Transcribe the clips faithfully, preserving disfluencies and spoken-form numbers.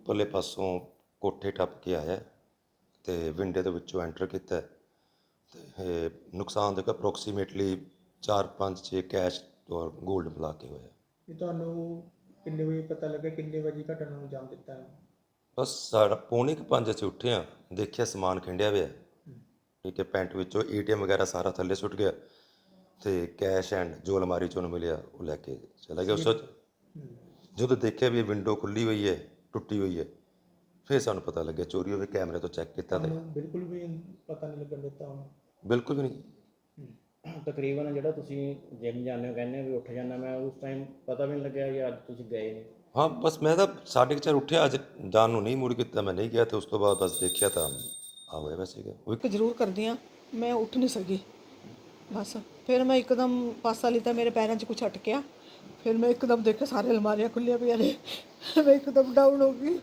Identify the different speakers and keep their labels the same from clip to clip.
Speaker 1: ਉੱਪਰਲੇ ਪਾਸੋਂ ਕੋਠੇ ਟੱਪ ਕੇ ਆਇਆ ਤੇ ਵਿੰਡੇ ਦੇ ਵਿੱਚੋਂ ਐਂਟਰ ਕੀਤਾ ਤੇ ਇਹ ਨੁਕਸਾਨ ਦੇਖੋ ਅਪਰੋਕਸੀਮੇਟਲੀ ਚਾਰ ਪੰਜ ਛੇ ਕੈਸ਼ ਔਰ ਗੋਲਡ ਮਿਲਾ ਕੇ ਹੋਇਆ।
Speaker 2: ਇਹ ਤੁਹਾਨੂੰ ਕਿੰਨੇ ਵਜੇ ਪਤਾ ਲੱਗਾ, ਕਿੰਨੇ ਵਜੇ ਘਟਨਾ ਨੂੰ ਅੰਜਾਮ ਦਿੱਤਾ ਹੈ?
Speaker 1: ਬਸ ਸਾਡਾ ਪੌਣੇ ਕੁ ਪੰਜ ਅਸੀਂ ਉੱਠੇ ਹਾਂ, ਦੇਖਿਆ ਸਮਾਨ ਖਿੰਡਿਆ ਹੋਇਆ, ਠੀਕ ਹੈ, ਪੈਂਟ ਵਿੱਚੋਂ ਏ ਟੀ ਐਮ ਵਗੈਰਾ ਸਾਰਾ ਥੱਲੇ ਸੁੱਟ ਗਿਆ ਤੇ ਕੈਸ਼ ਐਂਡ ਜੋ ਅਲਮਾਰੀ 'ਚੋਂ ਉਹਨੂੰ ਮਿਲਿਆ ਉਹ ਲੈ ਕੇ ਚਲਾ ਗਿਆ। ਉਸ ਤੋਂ ਜਦੋਂ ਦੇਖਿਆ ਵੀ ਇਹ ਵਿੰਡੋ ਖੁੱਲੀ ਹੋਈ ਹੈ, ਟੁੱਟੀ ਹੋਈ ਹੈ, ਫਿਰ ਸਾਨੂੰ ਪਤਾ ਲੱਗਿਆ ਚੋਰੀ ਹੋਵੇ। ਕੈਮਰੇ ਤੋਂ ਚੈੱਕ ਕੀਤਾ ਤੇ
Speaker 2: ਬਿਲਕੁਲ ਵੀ ਪਤਾ ਨਹੀਂ ਲੱਗਣ ਦਿੱਤਾ ਉਹਨੂੰ?
Speaker 1: ਬਿਲਕੁਲ ਵੀ ਨਹੀਂ।
Speaker 3: ਤਕਰੀਬਨ ਜਿਹੜਾ ਤੁਸੀਂ ਜਿਮ ਜਾਂਦੇ ਹੋ ਕਹਿੰਦੇ ਵੀ ਉੱਠ ਜਾਂਦਾ, ਮੈਂ ਉਸ ਟਾਈਮ ਪਤਾ ਵੀ ਨਹੀਂ ਲੱਗਿਆ ਕਿ ਅੱਜ ਤੁਸੀਂ ਗਏ ਨੇ?
Speaker 1: ਹਾਂ, ਬਸ ਮੈਂ ਤਾਂ ਸਾਢੇ ਕੁ ਚਾਰ ਉੱਠਿਆ, ਅੱਜ ਜਾਣ ਨੂੰ ਨਹੀਂ ਮੁੜ ਕੀਤਾ, ਮੈਂ ਨਹੀਂ ਗਿਆ ਤੇ ਉਸ ਤੋਂ ਬਾਅਦ ਬਸ ਦੇਖਿਆ ਤਾਂ ਆ ਹੋਇਆ ਵੈਸੇ ਸੀਗਾ।
Speaker 4: ਕਿ ਜ਼ਰੂਰ ਕਰਦੀ ਹਾਂ, ਮੈਂ ਉੱਠ ਨਹੀਂ ਸਕੀ ਬਸ। ਫਿਰ ਮੈਂ ਇੱਕਦਮ ਪਾਸਾ ਲਿੱਤਾ, ਮੇਰੇ ਪੈਰਾਂ 'ਚ ਕੁਛ ਅਟਕਿਆ, ਫਿਰ ਮੈਂ ਇੱਕਦਮ ਦੇਖਿਆ ਸਾਰੇ ਅਲਮਾਰੀਆਂ ਖੁੱਲੀਆਂ ਪਈਆਂ ਨੇ, ਮੈਂ ਇੱਕਦਮ ਡਾਊਨ ਹੋ ਗਈ।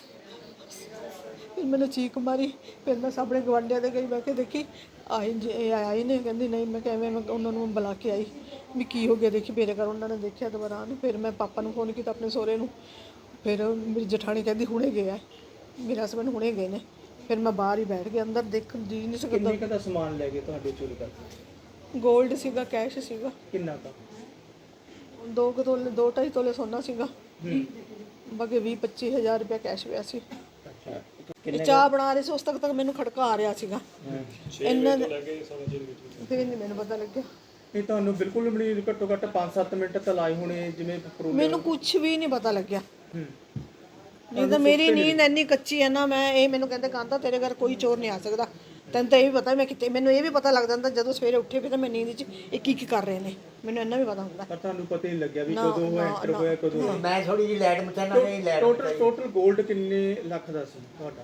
Speaker 4: ਫਿਰ मैंने चीख मारी, फिर मैं सामने गवांढिया दे गई, मैं कि देखी आई जी आई ने, कहती नहीं, मैं किवें मैं उन्होंने बुला के आई भी की हो गया, देखी मेरे घर उन्होंने देखा दोबारा आन। फिर मैं पापा को फोन किया अपने सहुरे नूं, फिर मेरी जठानी कहती हुणे गया है, मेरे हसबैंड हुणे गए ने। फिर मैं बाहर ही बैठ गई, अंदर देख जी नहीं सकता।
Speaker 2: ਕਿੰਨੇ ਦਾ ਸਮਾਨ ਲੈ ਗਏ ਤੁਹਾਡੇ ਚੋਰੀ ਕਰਕੇ?
Speaker 4: गोल्ड सीगा, कैश सीगा,
Speaker 2: ਕਿੰਨਾ ਦਾ?
Speaker 4: दो कुछ तोले, दो ढाई तोले सोना सीगा, बाकी भी पच्ची हज़ार रुपया कैश पिया सी।
Speaker 2: ਅੱਛਾ,
Speaker 4: ਇਹ ਚਾਹ ਬਣਾ ਰਹੇ ਸੀ, ਉਸ ਤੱਕ ਤੱਕ ਮੈਨੂੰ ਖੜਕਾ ਆ ਰਿਹਾ ਸੀਗਾ। ਇਹਨਾਂ ਦੇ ਫਿਰ ਨਹੀਂ ਮੈਨੂੰ ਪਤਾ ਲੱਗਿਆ।
Speaker 2: ਇਹ ਤੁਹਾਨੂੰ ਬਿਲਕੁਲ ਵੀ ਨਹੀਂ, ਘੱਟੋ ਘੱਟ ਪੰਜ ਸੱਤ ਮਿੰਟ ਤਾਂ ਲਾਏ ਹੋਣੇ ਜਿਵੇਂ ਪਰੋਲੇ?
Speaker 4: ਮੈਨੂੰ ਕੁਝ ਵੀ ਨਹੀਂ ਪਤਾ ਲੱਗਿਆ। ਨਹੀਂ ਤਾਂ ਮੇਰੀ ਨੀਂਦ ਇੰਨੀ ਕੱਚੀ ਹੈ ਨਾ, ਮੈਂ ਇਹ ਮੈਨੂੰ ਕਹਿੰਦੇ ਕਾਂਤਾ ਤੇਰੇ ਘਰ ਕੋਈ ਚੋਰ ਨਹੀਂ ਆ ਸਕਦਾ, ਤੈਨੂੰ ਤਾਂ ਇਹ ਵੀ ਪਤਾ ਮੈਂ ਕਿਤੇ, ਮੈਨੂੰ ਇਹ ਵੀ ਪਤਾ ਲੱਗ ਜਾਂਦਾ ਜਦੋਂ ਸਵੇਰੇ ਉੱਠੇ ਵੀ ਤਾਂ ਮੈਂ ਨੀਂਦ 'ਚ ਇਹ ਕੀ ਕੀ ਕਰ ਰਹੇ ਨੇ, ਮੈਨੂੰ ਇੰਨਾ ਵੀ ਪਤਾ ਹੁੰਦਾ।
Speaker 2: ਪਰ ਤੁਹਾਨੂੰ ਪਤਾ ਹੀ ਨਹੀਂ ਲੱਗਿਆ ਵੀ ਕਦੋਂ ਉਹ ਐਂਟਰ ਹੋਇਆ, ਕਦੋਂ?
Speaker 5: ਮੈਂ ਥੋੜੀ ਜਿਹੀ ਲਾਈਟ ਮਚਾਣਾ ਨਹੀਂ, ਲਾਈਟ
Speaker 2: ਟੋਟਲ ਟੋਟਲ 골ਡ ਕਿੰਨੇ ਲੱਖ ਦਾ ਸੀ ਤੁਹਾਡਾ?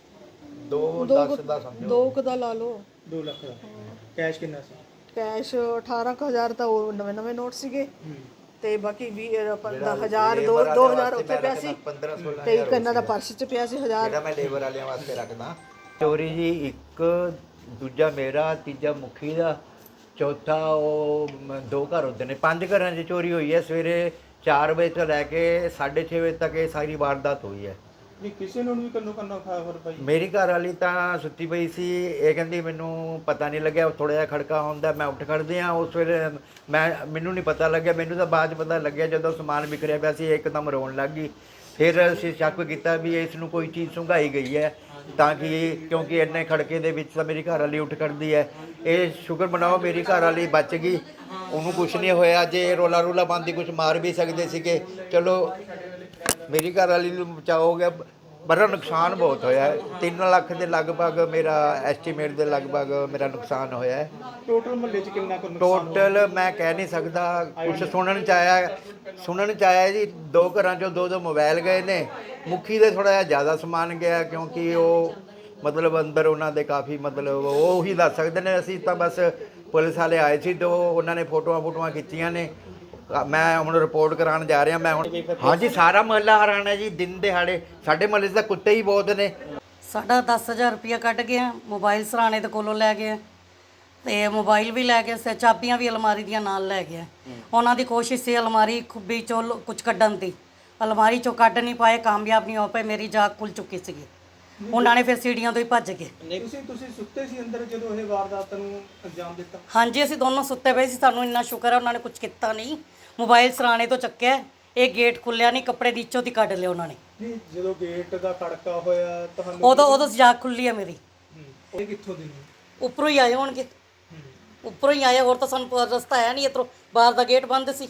Speaker 5: ਦੋ ਦਸ ਦਾ ਸਮਝੋ,
Speaker 4: ਦੋ ਕੁ ਦਾ ਲਾ ਲਓ।
Speaker 2: ਦੋ ਲੱਖ ਦਾ। ਕੈਸ਼ ਕਿੰਨਾ ਸੀ?
Speaker 4: ਕੈਸ਼ ਅਠਾਰਾਂ ਕੁ ਹਜ਼ਾਰ ਤਾਂ ਉਹ ਨਵੇਂ ਨਵੇਂ ਨੋਟ ਸੀਗੇ ਤੇ ਬਾਕੀ ਵੀਹ ਪੰਦਰਾਂ ਹਜ਼ਾਰ ਦੋ ਦੋ ਹਜ਼ਾਰ ਉੱਥੇ ਪਿਆ ਸੀ ਤੇ ਇੱਕ ਇਹਨਾਂ ਦਾ ਪਰਸ 'ਚ ਪਿਆ ਸੀ ਹਜ਼ਾਰ,
Speaker 5: ਜਿਹੜਾ ਮੈਂ ਲੇਬਰ ਵਾਲਿਆਂ ਵਾਸਤੇ ਰੱਖਦਾ। ਚੋਰੀ ਜੀ ਇੱਕ, ਦੂਜਾ ਮੇਰਾ, ਤੀਜਾ ਮੁਖੀ ਦਾ, ਚੌਥਾ ਉਹ ਮ- ਦੋ ਘਰ ਹੁੰਦੇ ਨੇ, ਪੰਜ ਘਰਾਂ 'ਚ ਚੋਰੀ ਹੋਈ ਹੈ। ਸਵੇਰੇ ਚਾਰ ਵਜੇ ਤੋਂ ਲੈ ਕੇ ਸਾਢੇ ਛੇ ਵਜੇ ਤੱਕ ਇਹ ਸਾਰੀ ਵਾਰਦਾਤ ਹੋਈ ਹੈ।
Speaker 2: ਨਹੀਂ ਕਿਸੇ ਨੂੰ ਵੀ ਕੰਨੋ ਕੰਨਾ ਖਬਰ ਪਈ?
Speaker 5: ਮੇਰੀ ਘਰ ਵਾਲੀ ਤਾਂ ਸੁੱਤੀ ਪਈ ਸੀ, ਇਹ ਕਹਿੰਦੀ ਮੈਨੂੰ ਪਤਾ ਨਹੀਂ ਲੱਗਿਆ, ਥੋੜ੍ਹਾ ਜਿਹਾ ਖੜਕਾ ਹੁੰਦਾ, ਮੈਂ ਉੱਠ ਖੜਦੇ ਹਾਂ। ਉਸ ਵੇਲੇ ਮੈਂ ਮੈਨੂੰ ਨਹੀਂ ਪਤਾ ਲੱਗਿਆ, ਮੈਨੂੰ ਤਾਂ ਬਾਅਦ 'ਚ ਪਤਾ ਲੱਗਿਆ ਜਦੋਂ ਸਮਾਨ ਵਿਖਰਿਆ ਪਿਆ ਸੀ, ਇਹ ਇੱਕਦਮ ਰੋਣ ਲੱਗ ਗਈ। ਫਿਰ ਅਸੀਂ ਸ਼ੱਕ ਕੀਤਾ ਵੀ ਇਸ ਨੂੰ ਕੋਈ ਚੀਜ਼ ਸੁੰਘਾਈ ਗਈ ਹੈ, ਤਾਂ ਕਿ ਕਿਉਂਕਿ ਇੰਨੇ ਖੜਕੇ ਦੇ ਵਿੱਚ ਤਾਂ ਮੇਰੀ ਘਰ ਵਾਲੀ ਉੱਠ ਖੜਦੀ ਹੈ। ਇਹ ਸ਼ੁਕਰ ਮਨਾਓ ਮੇਰੀ ਘਰ ਵਾਲੀ ਬਚ ਗਈ, ਉਹਨੂੰ ਕੁਝ ਨਹੀਂ ਹੋਇਆ। ਜੇ ਰੋਲਾ ਰੋਲਾ ਪਾਉਂਦੀ ਕੁਝ ਮਾਰ ਵੀ ਸਕਦੇ ਸੀਗੇ, ਚਲੋ ਮੇਰੀ ਘਰ ਵਾਲੀ ਨੂੰ ਬਚਾਅ ਹੋ ਗਿਆ। ਬੜਾ ਨੁਕਸਾਨ ਬਹੁਤ ਹੋਇਆ ਹੈ, ਤਿੰਨ ਲੱਖ ਦੇ ਲਗਭਗ ਮੇਰਾ ਐਸਟੀਮੇਟ ਦੇ ਲਗਭਗ ਮੇਰਾ ਨੁਕਸਾਨ ਹੋਇਆ ਹੈ।
Speaker 2: ਟੋਟਲ ਮਹੱਲੇ 'ਚ ਕਿੰਨਾ ਕੁ ਨੁਕਸਾਨ?
Speaker 5: ਟੋਟਲ ਮੈਂ ਕਹਿ ਨਹੀਂ ਸਕਦਾ, ਕੁਛ ਸੁਣਨ 'ਚ ਆਇਆ ਸੁਣਨ 'ਚ ਆਇਆ ਜੀ ਦੋ ਘਰਾਂ 'ਚੋਂ ਦੋ ਦੋ ਮੋਬਾਈਲ ਗਏ ਨੇ। ਮੁਖੀ ਦੇ ਥੋੜ੍ਹਾ ਜਿਹਾ ਜ਼ਿਆਦਾ ਸਮਾਨ ਗਿਆ, ਕਿਉਂਕਿ ਉਹ ਮਤਲਬ ਅੰਦਰ ਉਹਨਾਂ ਦੇ ਕਾਫੀ ਮਤਲਬ ਉਹ ਹੀ ਦੱਸ ਸਕਦੇ ਨੇ। ਅਸੀਂ ਤਾਂ ਬਸ ਪੁਲਿਸ ਵਾਲੇ ਆਏ ਸੀ ਤੇ ਉਹਨਾਂ ਨੇ ਫੋਟੋਆਂ ਫੋਟੋਆਂ ਖਿੱਚੀਆਂ ਨੇ। ਮੈਂ ਹੁਣ ਰਿਪੋਰਟ ਕਰਾਉਣ ਜਾ ਰਿਹਾ ਮੈਂ ਹੁਣ। ਹਾਂਜੀ, ਸਾਰਾ ਮਹੱਲਾ ਹੈਰਾਨ ਹੈ ਜੀ, ਦਿਨ ਦਿਹਾੜੇ ਸਾਡੇ ਮਹੱਲੇ 'ਚ ਤਾਂ ਕੁੱਤੇ ਹੀ ਬਹੁਤ ਨੇ।
Speaker 6: ਸਾਡਾ ਦਸ ਹਜ਼ਾਰ ਰੁਪਇਆ ਕੱਢ ਗਿਆ, ਮੋਬਾਈਲ ਸਰਾਣੇ ਦੇ ਕੋਲੋਂ ਲੈ ਗਏ ਤੇ ਮੋਬਾਈਲ ਵੀ ਲੈ ਗਏ, ਚਾਬੀਆਂ ਵੀ ਅਲਮਾਰੀ ਦੀਆਂ ਨਾਲ ਲੈ ਗਏ। ਉਹਨਾਂ ਦੀ ਕੋਸ਼ਿਸ਼ ਸੀ ਅਲਮਾਰੀ ਖੁੱਬੀ ਚੋਂ ਕੁਝ ਕੱਢਣ ਦੀ, ਅਲਮਾਰੀ ਚੋਂ ਕੱਢ ਨਹੀਂ ਪਾਏ, ਕਾਮਯਾਬ ਨਹੀਂ ਹੋ ਪਏ, ਮੇਰੀ ਜਾਗ ਖੁੱਲ ਚੁੱਕੀ ਸੀਗੀ। ਉਹਨਾਂ ਨੇ ਫਿਰ ਸੀੜੀਆਂ ਤੋਂ ਹੀ ਭੱਜ ਗਏ।
Speaker 2: ਤੁਸੀਂ ਤੁਸੀਂ ਸੁੱਤੇ ਸੀ ਅੰਦਰ ਜਦੋਂ ਇਹ ਵਾਰਦਾਤ ਨੂੰ ਅੰਜਾਮ ਦਿੱਤਾ?
Speaker 6: ਹਾਂਜੀ, ਅਸੀਂ ਦੋਨੋਂ ਸੁੱਤੇ ਪਏ ਸੀ, ਸਾਨੂੰ ਇੰਨਾ ਸ਼ੁਕਰ ਹੈ ਉਹਨਾਂ ਨੇ ਕੁਝ ਕੀਤਾ ਨਹੀਂ। ਮੋਬਾਈਲ ਸਰਾਣੇ ਤੋਂ ਚੱਕਿਆ, ਇਹ ਗੇਟ ਖੁੱਲਿਆ ਨਹੀਂ, ਕੱਪੜੇ ਦੀ ਇੱਚੋ ਦੀ ਕੱਢ ਲਿਆ ਉਹਨਾਂ ਨੇ।
Speaker 2: ਨਹੀਂ, ਜਦੋਂ ਗੇਟ ਦਾ ਖੜਕਾ ਹੋਇਆ ਤੁਹਾਨੂੰ
Speaker 6: ਉਦੋਂ ਉਦੋਂ ਜਾਗ ਖੁੱਲੀ ਹੈ ਮੇਰੀ।
Speaker 2: ਇਹ ਕਿੱਥੋਂ ਦੀ ਨੇ?
Speaker 6: ਉੱਪਰੋਂ ਹੀ ਆਏ ਹੋਣਗੇ, ਉੱਪਰੋਂ ਹੀ ਆਏ, ਹੋਰ ਤਾਂ ਸਾਨੂੰ ਪ- ਰਸਤਾ ਹੈ ਨਹੀਂ ਇੱਧਰੋਂ, ਬਾਹਰ ਦਾ ਗੇਟ ਬੰਦ ਸੀ।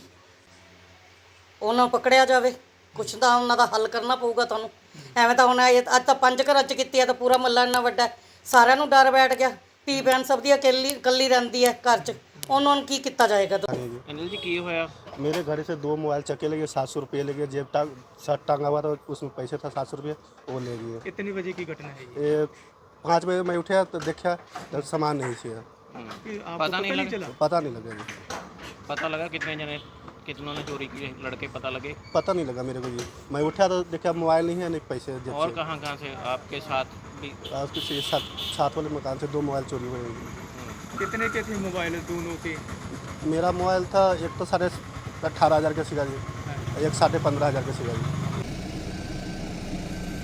Speaker 6: ਉਹਨਾਂ ਨੂੰ ਪਕੜਿਆ ਜਾਵੇ, ਕੁਛ ਤਾਂ ਉਹਨਾਂ ਦਾ ਹੱਲ ਕਰਨਾ ਪਊਗਾ ਤੁਹਾਨੂੰ। ਐਵੇਂ ਤਾਂ ਹੁਣ ਇਹ ਅੱਜ ਤਾਂ ਪੰਜ ਘਰਾਂ 'ਚ ਕੀਤੀ ਹੈ ਤਾਂ ਪੂਰਾ ਮੱਲਾ ਇੰਨਾ ਵੱਡਾ ਹੈ, ਸਾਰਿਆਂ ਨੂੰ ਡਰ ਬੈਠ ਗਿਆ। ਧੀ ਭੈਣ ਸਭ ਦੀ ਇਕੱਲੀ ਇਕੱਲੀ ਰਹਿੰਦੀ ਹੈ ਘਰ 'ਚ, ਉਹਨਾਂ ਨੂੰ ਕੀ ਕੀਤਾ ਜਾਏਗਾ?
Speaker 3: ਅਨਿਲ ਜੀ ਕੀ ਹੋਇਆ?
Speaker 7: मेरे घर से दो मोबाइल चक्के लगे, सात सौ रुपये लगे, जेब टांग शर्ट टांगा हुआ था उसमें पैसे था सात सौ रुपये, वो ले गए।
Speaker 2: कितने बजे की घटना है ये?
Speaker 7: ये पाँच बजे मैं उठा तो देखा तो सामान नहीं थी,
Speaker 2: कि आपको
Speaker 3: पता नहीं लगा?
Speaker 2: चला?
Speaker 7: पता नहीं लगा जी,
Speaker 3: पता लगा कितने जने कितनों ने चोरी की? लड़के पता लगे?
Speaker 7: पता नहीं लगा मेरे को जी। मैं उठा तो देखा मोबाइल नहीं है, नहीं पैसे जेब
Speaker 3: और
Speaker 7: से।
Speaker 3: कहाँ कहाँ से आपके साथ भी?
Speaker 7: और उसके साथ साथ वाले मकान से दो मोबाइल चोरी हुए।
Speaker 2: कितने के थे मोबाइल दोनों के?
Speaker 7: मेरा मोबाइल था एक तो साढ़े अट्ठारह हज़ार का सीगा जी, एक साढ़े पंद्रह हज़ार का सीगा जी।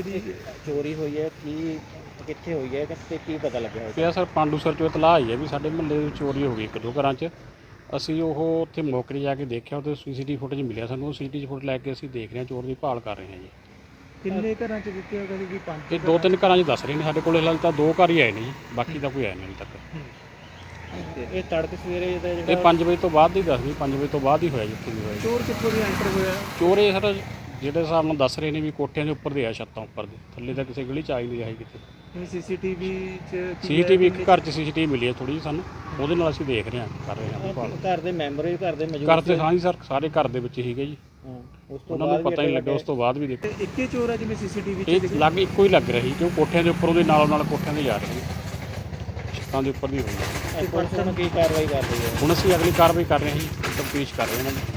Speaker 2: ਜਿਹੜੀ
Speaker 3: ਚੋਰੀ ਹੋਈ ਹੈ ਕੀ ਕਿੱਥੇ ਹੋਈ ਹੈ ਤੇ ਕੀ ਪਤਾ ਲੱਗਿਆ
Speaker 8: ਪਿਆ ਸਰ ਪਾਂਡੂਸਰ ਚੋਂ ਇਤਲਾਹ ਆਈ ਹੈ ਵੀ ਸਾਡੇ ਮੁਹੱਲੇ ਵਿੱਚ ਚੋਰੀ ਹੋ ਗਈ ਇੱਕ ਦੋ ਘਰਾਂ 'ਚ। ਅਸੀਂ ਉਹ ਉੱਥੇ ਮੌਕੇ 'ਤੇ ਜਾ ਕੇ ਦੇਖਿਆ, ਉਹਦੇ ਸੀਸੀਟੀਵੀ ਫੁਟੇਜ ਮਿਲਿਆ ਸਾਨੂੰ। ਉਹ ਸੀਸੀਟੀਵੀ ਫੁਟੇਜ ਲੈ ਕੇ ਅਸੀਂ ਦੇਖ ਰਹੇ ਹਾਂ, ਚੋਰ ਦੀ ਭਾਲ ਕਰ ਰਹੇ ਹਾਂ ਜੀ।
Speaker 2: ਕਿੰਨੇ ਘਰਾਂ 'ਚ ਦਿੱਤੇ ਹੋ ਕਦੇ ਵੀ ਪੰਜ
Speaker 8: ਇਹ ਦੋ ਤਿੰਨ ਘਰਾਂ 'ਚ ਦੱਸ ਰਹੇ ਨੇ, ਸਾਡੇ ਕੋਲ ਹਾਲੇ ਤਾਂ ਦੋ ਘਰ ਹੀ ਆਏ ਨੇ ਜੀ, ਬਾਕੀ ਤਾਂ ਕੋਈ ਆਇਆ ਨਹੀਂ ਹਾਲੇ ਤੱਕ।
Speaker 3: ਇਹ ਤੜਕੇ ਸਵੇਰੇ ਦਾ
Speaker 8: ਇਹ
Speaker 3: ਜਿਹੜਾ
Speaker 8: ਪੰਜ ਵਜੇ ਤੋਂ ਬਾਅਦ ਦੀ ਦੱਸਦੀ, ਪੰਜ ਵਜੇ ਤੋਂ ਬਾਅਦ ਹੀ ਹੋਇਆ ਜਿੱਥੇ ਵੀ ਹੋਇਆ ਜੀ।
Speaker 2: ਚੋਰ ਕਿੱਥੋਂ ਦੀ ਐਂਟਰ ਹੋਇਆ?
Speaker 8: ਚੋਰ ਇਹ ਸਰ ਜਿਹੜੇ ਹਿਸਾਬ ਨਾਲ ਦੱਸ ਰਹੇ ਨੇ ਵੀ ਕੋਠਿਆਂ ਦੇ ਉੱਪਰ ਦੇ ਆ, ਛੱਤਾਂ ਉੱਪਰ ਦੇ, ਥੱਲੇ ਤਾਂ ਕਿਸੇ ਗਲੀ 'ਚ ਆ ਹੀ ਨਹੀਂ ਰਿਹਾ ਕਿਤੇ।
Speaker 2: ਸੀਸੀਟੀਵੀ 'ਚ
Speaker 8: ਸੀਸੀਟੀਵੀ ਇੱਕ ਘਰ 'ਚ ਸੀਸੀਟੀਵੀ ਮਿਲੀ ਹੈ ਥੋੜੀ ਜਿਹੀ ਸਾਨੂੰ, ਉਹਦੇ ਨਾਲ ਅਸੀਂ ਦੇਖ ਰਹੇ ਹਾਂ, ਕਰ ਰਹੇ ਹਾਂ ਭਾਲ।
Speaker 3: ਘਰ ਦੇ ਮੈਂਬਰ ਵੀ ਘਰ ਦੇ ਮੌਜੂਦ
Speaker 8: ਘਰ ਤੇ ਹਾਂ ਜੀ ਸਰ, ਸਾਰੇ ਘਰ ਦੇ ਵਿੱਚ ਹੀਗੇ ਜੀ,
Speaker 3: ਹਾਂ, ਉਸ ਤੋਂ
Speaker 8: ਉਹਨਾਂ ਨੂੰ ਪਤਾ ਹੀ ਨਹੀਂ ਲੱਗਿਆ। ਉਸ ਤੋਂ ਬਾਅਦ ਵੀ ਦੇਖੋ
Speaker 2: ਤੇ ਇੱਕੇ ਚੋਰ ਆ ਜਿਵੇਂ ਸੀਸੀਟੀਵੀ 'ਚ
Speaker 8: ਇਹ ਲੱਗ ਇੱਕੋ ਹੀ ਲੱਗ ਰਹੀ, ਕਿਉਂ ਕੋਠਿਆਂ ਦੇ ਉੱਪਰ ਉਹਦੇ ਨਾਲੋਂ ਨਾਲ ਕੋਠਿਆਂ ਦੇ ਜਾ ਰਹੇ ਨੇ, ਛੱਤਾਂ ਦੇ ਉੱਪਰ ਦੀ ਹੋਈ ਹੈ।
Speaker 3: ਪੁਲਿਸ ਨੂੰ ਕੀ ਕਾਰਵਾਈ ਕਰ ਰਹੀ ਹੈ?
Speaker 8: ਹੁਣ ਅਸੀਂ ਅਗਲੀ ਕਾਰਵਾਈ ਕਰ ਰਹੇ ਹਾਂ ਜੀ, ਤਫਤੀਸ਼ ਕਰ ਰਹੇ ਹਾਂ ਇਹਨਾਂ ਦੀ।